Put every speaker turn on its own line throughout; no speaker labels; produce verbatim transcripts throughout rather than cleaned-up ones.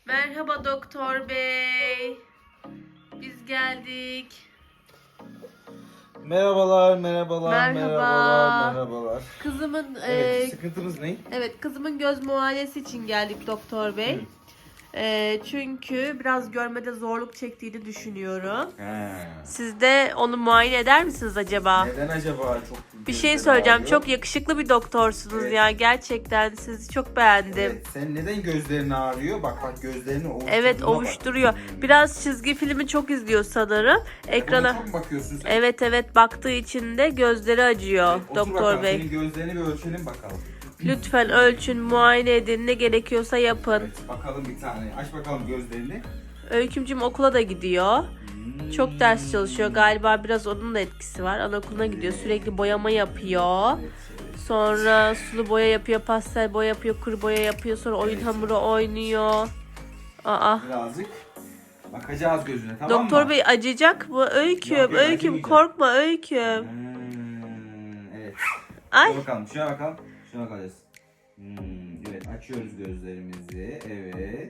Merhaba doktor bey. Biz geldik.
Merhabalar, merhabalar,
Merhaba.
merhabalar, merhabalar.
Kızımın
Evet,
e,
sıkıntınız ne?
evet kızımın göz muayenesi için geldik doktor bey.
Hı.
E, çünkü biraz görmede zorluk çektiğini düşünüyorum.
He.
Siz de onu muayene eder misiniz acaba?
Neden acaba çok
Bir şey
gözleri
söyleyeceğim.
ağrıyor?
Çok yakışıklı bir doktorsunuz
Evet.
ya. Gerçekten sizi çok beğendim.
Evet, sen neden gözlerin ağrıyor? Bak bak gözlerini ovuşturduğuna
Evet,
bak.
ovuşturuyor.
Hmm.
Biraz çizgi filmi çok izliyor sanırım.
Buna
Ekrana
çok mu bakıyorsun sen?
Evet evet baktığı için de gözleri acıyor
Evet, otur
doktor
bakalım,
bey.
senin gözlerini bir ölçelim bakalım.
Lütfen ölçün, muayene edin, ne gerekiyorsa yapın.
Evet, bakalım bir tane. Aç bakalım gözlerini.
Öykümcüm okula da gidiyor.
Hmm.
Çok ders çalışıyor. Galiba biraz onun da etkisi var. Anaokuluna gidiyor. Sürekli boyama yapıyor.
Evet, evet.
Sonra sulu boya yapıyor, pastel boya yapıyor, kuru boya yapıyor. Sonra oyun
Evet,
hamuru oynuyor. Aa.
Birazcık bakacağız gözüne, tamam mı?
Doktor bey acıyacak mı? Öyküm,
Yok, yok,
öyküm
acımayacak.
korkma öyküm.
Hmm, evet.
Ay.
Şuna bakalım, şuna bakalım. Şuna bakacağız. Hmm, evet, açıyoruz gözlerimizi. Evet.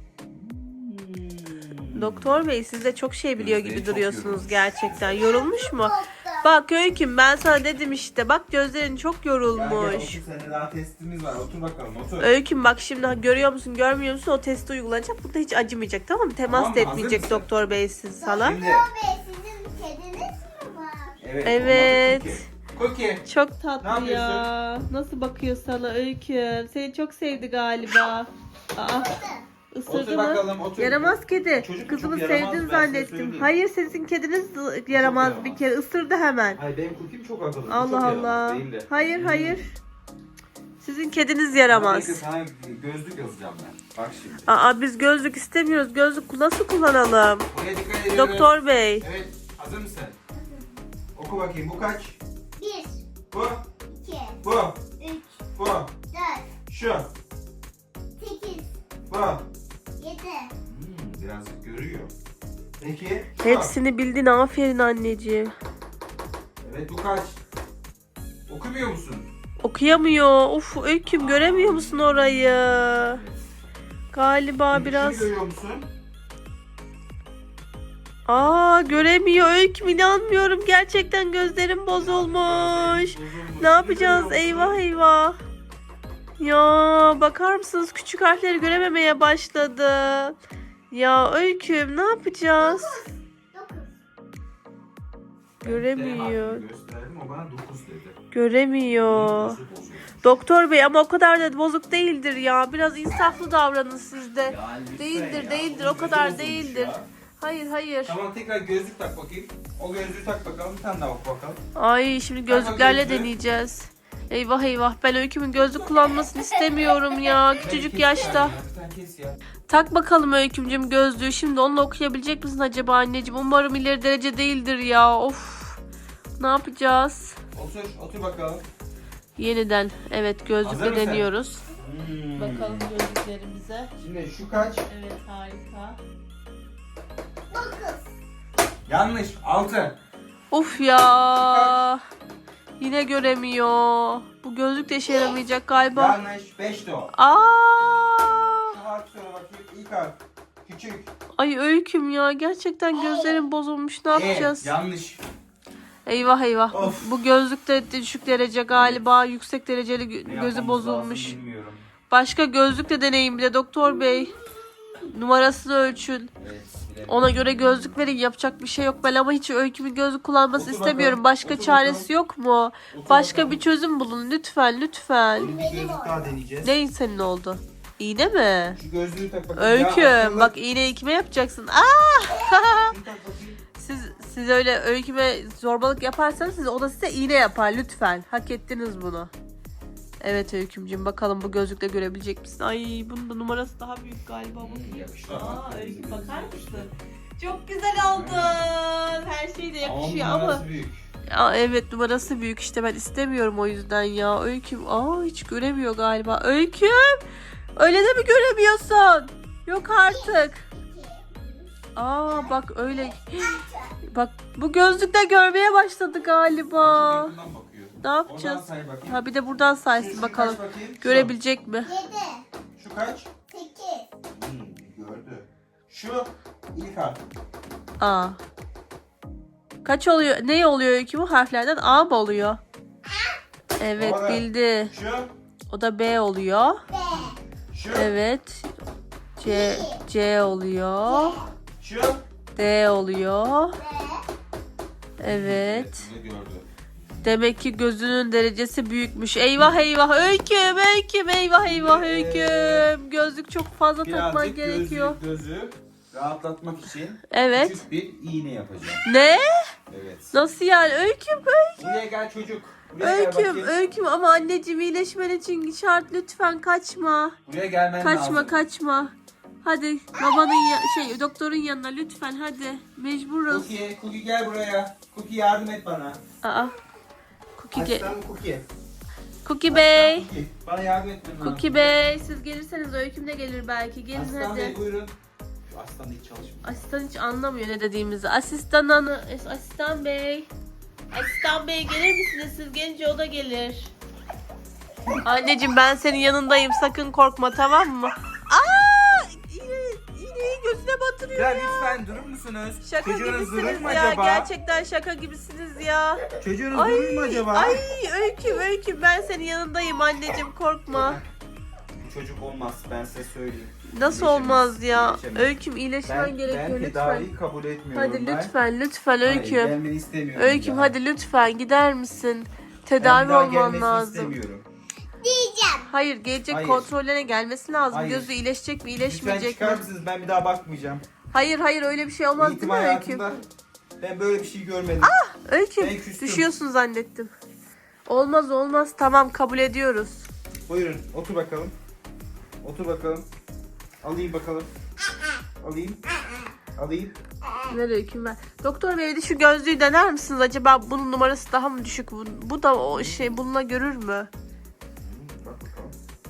Hmm.
Doktor bey siz de çok şey biliyor
Gözleri
gibi
çok
duruyorsunuz
yorulmuş.
gerçekten. Yorulmuş mu? Bak Öyküm ben sana dedim işte. Bak gözlerin çok
Gel, gel,
yorulmuş.
otur, seninle daha testimiz var. Otur bakalım, otur.
Öyküm bak şimdi görüyor musun görmüyor musun o testi uygulanacak. Burada hiç acımayacak tamam mı? Temas
Tamam
da
mı? Hazır
etmeyecek
mısın?
doktor bey siz sana.
Şimdi,
Bey sizin kediniz mi var?
evet.
Evet.
onun adı Cookie. Cookie.
Çok
Ne
tatlı
yapıyorsun?
ya. Nasıl bakıyor sana Öyküm? Seni çok sevdi galiba. Aa, ısırdı
Otur
mı?
bakalım, otur.
Yaramaz kedi.
Çocuk
Kızımı
çok yaramaz,
sevdin
ben size
zannettim.
söyleyeyim.
Hayır sizin kediniz yaramaz bir
yaramaz.
kere. Isırdı hemen.
Hayır, benim Cookie'm çok akıllı. Bu çok
Allah
yaramaz
Allah.
değil de.
Hayır
Hmm.
hayır. Sizin kediniz
Bekle,
yaramaz.
sana gözlük yazacağım ben. Bak şimdi.
Aa biz gözlük istemiyoruz. Gözlük nasıl kullanalım?
Buraya dikkat ediyoruz.
Doktor bey.
Evet, hazır mısın? Oku bakayım, bu kaç?
Bir,
Bu,
iki,
bu,
üç,
bu,
dört,
şu,
sekiz,
bu.
yedi.
Hmm, birazcık görüyor. Peki, şu.
Hepsini bildin aferin anneciğim.
Evet, bu kaç? Okumuyor musun?
Okuyamıyor. Uf Öyküm göremiyor musun orayı?
Evet.
Galiba
Peki,
biraz.
şunu görüyor musun?
Aa göremiyor Öyküm inanmıyorum. Gerçekten gözlerim bozulmuş. Ne yapacağız? Eyvah eyvah. Ya bakar mısınız küçük harfleri görememeye başladı. Ya Öyküm ne yapacağız?
Dokuz.
Göremiyor.
Gösterdim, o bana dokuz dedi.
Göremiyor.
Gözü bozulmuş.
Doktor bey ama o kadar da bozuk değildir ya. Biraz insaflı davranın siz de.
Ya lütfen
Değildir
ya,
değildir
onun
o kadar
gözü bozulmuş
değildir.
ya.
Hayır hayır.
Tamam, tekrar gözlük tak bakayım. O gözlüğü tak bakalım, bir tane daha bak bakalım.
Ay şimdi gözlüklerle
gözlüğü.
deneyeceğiz. Eyvah eyvah ben Öyküm'ün gözlük kullanmasını istemiyorum ya küçücük
Kes
yaşta.
yani ya, bir tane kes ya.
Tak bakalım Öyküm'cüm gözlüğü. Şimdi onunla okuyabilecek misin acaba anneciğim? Umarım ileri derece değildir ya. Of. Ne yapacağız?
Otur, otur bakalım.
Yeniden. Evet
Hazır
gözlükle
mısın?
deniyoruz.
Hmm.
Bakalım gözlüklerimize.
Şimdi şu kaç?
Evet harika.
Dokuz.
Yanlış. altı.
Of ya. Yine göremiyor. Bu gözlük de işe yaramayacak galiba.
Yanlış. beş de o.
Aa!
Şu harf söyle bakayım. İlk harf. Küçük.
Ay Öyküm ya gerçekten gözlerim bozulmuş. Ne yapacağız?
E, yanlış.
Eyvah eyvah. Bu,
Of.
bu gözlük de düşük derece galiba. Yüksek dereceli gö-
Ne
gözü
yapmamız
bozulmuş.
lazım bilmiyorum.
Başka gözlük de deneyin bir de doktor bey. Numarasını ölçün.
Evet. bilemedim.
Ona göre gözlük verin. Yapacak bir şey yok. Ben ama hiç Öyküm'ün gözlük kullanmasını
Otur
istemiyorum.
bakalım,
Başka
otur
çaresi
bakalım.
yok mu?
Otur
Başka
bakalım.
bir çözüm bulun lütfen lütfen.
Şimdi bir gözlük daha deneyeceğiz.
Neyin senin oldu? İğne mi?
Şu gözlüğü tak bakayım. Ya,
Öyküm
akıllı.
bak iğneyi kime yapacaksın? Aa!
Şunu tak bakayım.
siz siz öyle Öyküm'e zorbalık yaparsanız siz o da size iğne yapar lütfen. Hak ettiniz bunu. Evet Öykümcüğüm bakalım bu gözlükle görebilecek misin? Ay bunun da numarası daha büyük galiba.
Hmm, yakıştı
Aa
ama.
Öyküm bakar mısın? Çok güzel oldun. Her şey de yakışıyor
Ama
ama.
numarası büyük.
Aa, evet numarası büyük işte ben istemiyorum o yüzden ya. Öyküm aa hiç göremiyor galiba. Öyküm öyle de mi göremiyorsun? Yok artık. Aa bak öyle. Bak bu gözlükle görmeye başladı galiba.
Yakından bakıyor.
Ne yapacağız?
Oradan say bakayım.
Ha bir de buradan
Şu-
saysın
şu
bakalım.
kaç bakayım? Şu.
Görebilecek mi?
Yedi,
Şu kaç?
sekiz,
Hmm, Şu ilk harf.
A. Kaç oluyor? Ne oluyor ki bu harflerden? A mı oluyor? Evet
Doğru.
bildi.
Şu.
O da B oluyor.
B.
Şu.
Evet. C C oluyor.
Şu.
D oluyor.
B.
Evet.
Ne gördü?
Demek ki gözünün derecesi büyükmüş. Eyvah eyvah öyküm öyküm eyvah eyvah öyküm. Gözlük çok fazla takman
Birazcık
gerekiyor.
gözü, gözü rahatlatmak için
Evet.
küçük bir iğne yapacağım.
Ne?
Evet.
Nasıl yani? Öyküm öyküm.
Buraya gel çocuk. Buraya gel
Öyküm
bakayım.
öyküm ama anneciğim iyileşmen için şart lütfen kaçma.
Buraya gelmen
Kaçma
lazım.
kaçma. Hadi babanın ya- şey doktorun yanına lütfen hadi. Mecburuz.
Cookie, Cookie gel buraya. Cookie yardım et bana.
Aa. Cookie, ge-
Aslan Cookie.
Cookie Bey.
Cookie. Bana yardım etmen lazım.
Cookie Bey siz gelirseniz öyküm de gelir belki. Gelin
Aslan
hadi.
Bey buyurun. Şu aslan hiç çalışmıyor.
Asistan hiç anlamıyor ne dediğimizi. Asistan hanı, asistan bey. Asistan bey gelir misiniz? Siz gelince o da gelir. Anneciğim ben senin yanındayım. Sakın korkma tamam mı? Aa! İğne, iğneyi gözüne batırıyor
Ya
ya.
lütfen durur musunuz?
Şaka
Çocuğunuz durur
gibisiniz
mu
ya.
acaba?
Gerçekten şaka gibisiniz ya.
Çocuğunuz
Ay,
durur mu acaba?
ay öyküm öyküm ben senin yanındayım anneciğim korkma.
Bu çocuk olmaz ben size söyleyeyim.
Nasıl
İyileşemez,
olmaz ya?
iyileşemez.
Öyküm iyileşmen
Ben,
gerekiyor
ben
lütfen.
tedaviyi kabul etmiyorum.
Hadi
ben.
lütfen lütfen
Hayır,
öyküm.
gelmeni istemiyorum.
Öyküm
bir daha.
hadi lütfen gider misin?
Ben
Tedavi
bir daha
olman
gelmesini
lazım.
istemiyorum.
Diyeceğim.
Hayır gelecek
Hayır.
kontrollerine gelmesi lazım.
Hayır.
Gözü iyileşecek mi
Lütfen
iyileşmeyecek
çıkar
mi?
mısınız? Ben bir daha bakmayacağım.
Hayır hayır öyle bir şey olmaz
Eğitim
değil mi Öyküm?
hayatımda ben böyle bir şey görmedim.
Öyküm
Ben küstüm.
düşüyorsun zannettim. Olmaz olmaz tamam kabul ediyoruz.
Buyurun otur bakalım. Otur bakalım. Alayım bakalım. Alayım. Alayım.
Ver Öyküm ver. Doktor bey bir de şu gözlüğü dener misiniz? Acaba bunun numarası daha mı düşük? Bu, bu da o şey bununla görür mü?
Hmm, Bak bakalım.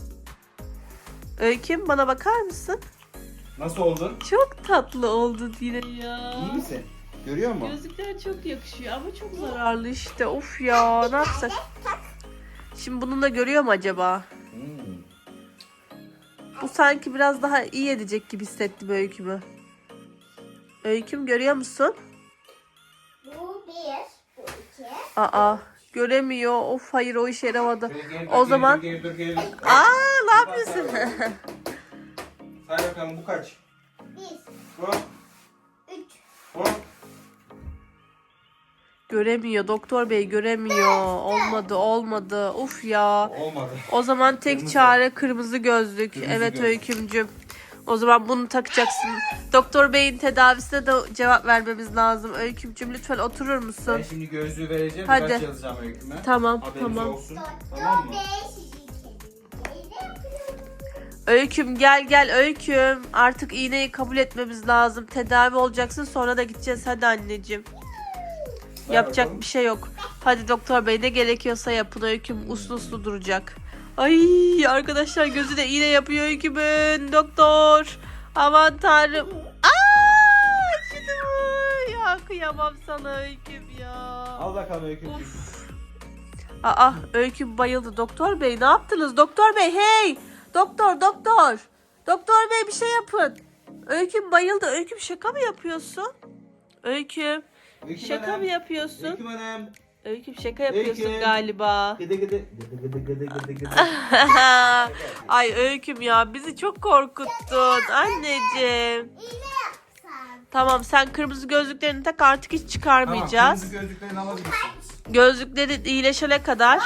Öyküm bana bakar mısın?
Nasıl oldun?
Çok tatlı oldu yine ya.
İyi misin? Görüyor musun?
Gözlükler çok yakışıyor ama çok zararlı işte. Of ya ne yapsak? Şimdi bununla görüyor mu acaba?
Hmm.
Bu sanki biraz daha iyi edecek gibi hissettim Öyküm'ü. Öyküm görüyor musun?
Bu bir. Bu iki.
Aa göremiyor. Of hayır o işe yaramadı.
Şöyle geri dur,
O
geri
zaman-
dur, geri dur, geri dur.
Aa ne yapıyorsun?
Say bakalım bu kaç?
Bir.
Bu.
Üç.
Bu.
Göremiyor doktor bey göremiyor. Olmadı olmadı. Uf ya.
Olmadı.
O zaman tek
Kırmızı.
çare kırmızı gözlük.
Kırmızı
evet
gözlük.
Öykümcüm. O zaman bunu takacaksın. Doktor beyin tedavisine de cevap vermemiz lazım. Öykümcüm lütfen oturur musun?
Ben şimdi gözlüğü vereceğim.
Hadi.
Birkaç yazacağım öyküme.
Tamam
Haberiniz
tamam.
olsun. Tamam
Doktor
mı?
Bey sizi kendinize yapıyorum.
Öyküm gel gel Öyküm. Artık iğneyi kabul etmemiz lazım. Tedavi olacaksın sonra da gideceğiz. Hadi anneciğim.
Ver
Yapacak
bakalım.
bir şey yok. Hadi doktor bey ne gerekiyorsa yapın. Öyküm uslu uslu duracak. Ay arkadaşlar gözü de iğne yapıyor Öyküm'ün. Doktor. Aman tanrım. Aa, acıdı mı? Ya kıyamam sana Öyküm ya.
Al bakalım öykücüğüm.
Of. Aa Öyküm bayıldı. Doktor bey ne yaptınız? Doktor bey hey. Doktor doktor. Doktor bey bir şey yapın. Öyküm bayıldı. Öyküm şaka mı yapıyorsun? Öyküm.
Öyküm
Şaka
Hanım.
mı yapıyorsun?
Öyküm Hanım.
Öyküm şaka yapıyorsun
Öyküm.
galiba.
Gıdı gıdı. Gıdı gıdı gıdı gıdı gıdı.
Ay Öyküm ya bizi çok korkuttun anneciğim.
İğne yapsan.
Tamam sen kırmızı gözlüklerini tak artık hiç
Tamam
çıkarmayacağız.
kırmızı gözlüklerini alabilirsiniz.
Gözlükleri iyileşene kadar.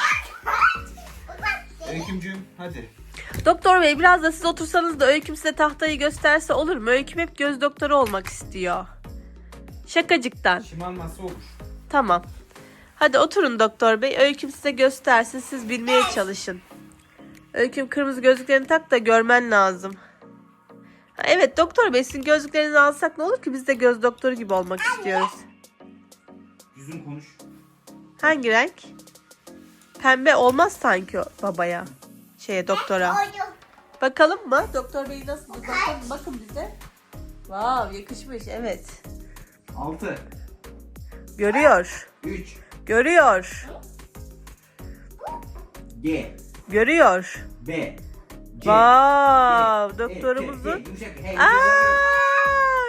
Öykümcüğüm hadi.
Doktor bey biraz da siz otursanız da Öyküm size tahtayı gösterse olur mu? Öyküm hep göz doktoru olmak istiyor. Şakacıktan.
Şımarması olur.
Tamam. Hadi oturun doktor bey. Öyküm size göstersin. Siz bilmeye çalışın. Öyküm kırmızı gözlüklerini tak da görmen lazım. Ha, evet doktor bey sizin gözlüklerinizi alsak ne olur ki biz de göz doktoru gibi olmak istiyoruz.
Yüzün konuş.
Hangi renk? Pembe olmaz sanki o babaya. Şeye doktora.
Koydum.
Bakalım mı? Doktor bey nasıl? Bakın, bakın bize. Vav yakışmış evet.
Altı.
Görüyor.
Üç.
Görüyor.
G.
Görüyor.
B. C.
Vav
G,
doktorumuzun.
G, G, yumuşak, H,
Aa,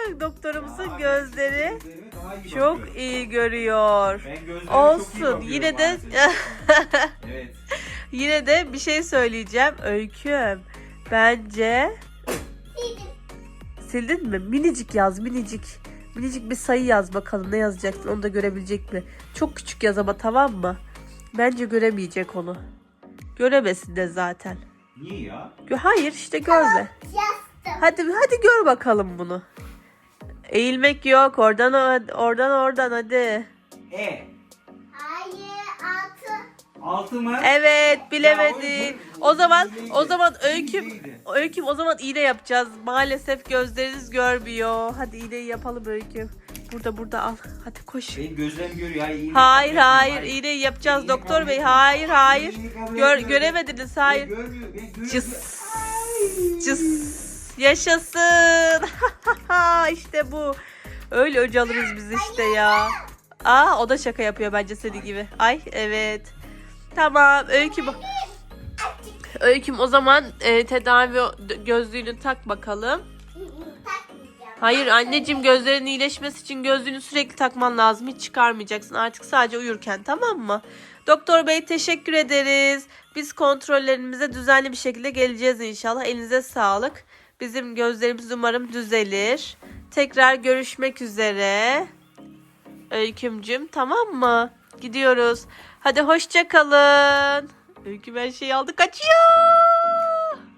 Olsun, gözleri
Gözlerime daha iyi
çok
bakıyorum.
iyi görüyor.
Ben gözlerime çok iyi
Olsun.
bakıyorum
Yine de
maalesef. Evet.
yine de bir şey söyleyeceğim. Öyküm. Bence
Sildim.
sildin mi? Minicik yaz, minicik. Minicik bir sayı yaz bakalım. Ne yazacaksın? Onu da görebilecek mi? Çok küçük yaz ama, tamam mı? Bence göremeyecek onu. Göremesin de zaten.
Niye ya?
Gö- Hayır işte görme.
Yastım.
Hadi hadi gör bakalım bunu. Eğilmek yok. Oradan o- oradan oradan hadi.
E.
Hayır. Altı.
Altı mı?
Evet,
Ya,
bilemedin.
o- o-
O zaman
iyiydi.
o zaman öyküm
İyiydi.
öyküm o zaman iğne yapacağız. Maalesef gözleriniz görmüyor. Hadi iğneyi yapalım öyküm. Burada burada al. Hadi koş.
Benim gözlerim görüyor. Hayır, iğneyi
Hayır
kabul
hayır
etmiyorum.
iğneyi yapacağız
İğneyi
doktor
kabul
bey.
etmiyorum.
Hayır hayır.
İğneyi kabul
Gör,
etmiyorum.
göremediniz
Ben
hayır.
görmüyorum, ben görüyorum.
Cıs. Cıs. Yaşasın. İşte bu. Öyle öc alırız biz işte ya. Aa, o da şaka yapıyor bence senin gibi. Ay evet. Tamam öyküm. Öyküm o zaman e, tedavi gözlüğünü tak bakalım.
Takmayacağım.
Hayır anneciğim, gözlerin iyileşmesi için gözlüğünü sürekli takman lazım. Hiç çıkarmayacaksın artık, sadece uyurken, tamam mı? Doktor bey teşekkür ederiz. Biz kontrollerimize düzenli bir şekilde geleceğiz inşallah. Elinize sağlık. Bizim gözlerimiz umarım düzelir. Tekrar görüşmek üzere. Öykümcüm, tamam mı? Gidiyoruz. Hadi hoşça kalın. Öyküm her şeyi aldı, kaçıyor.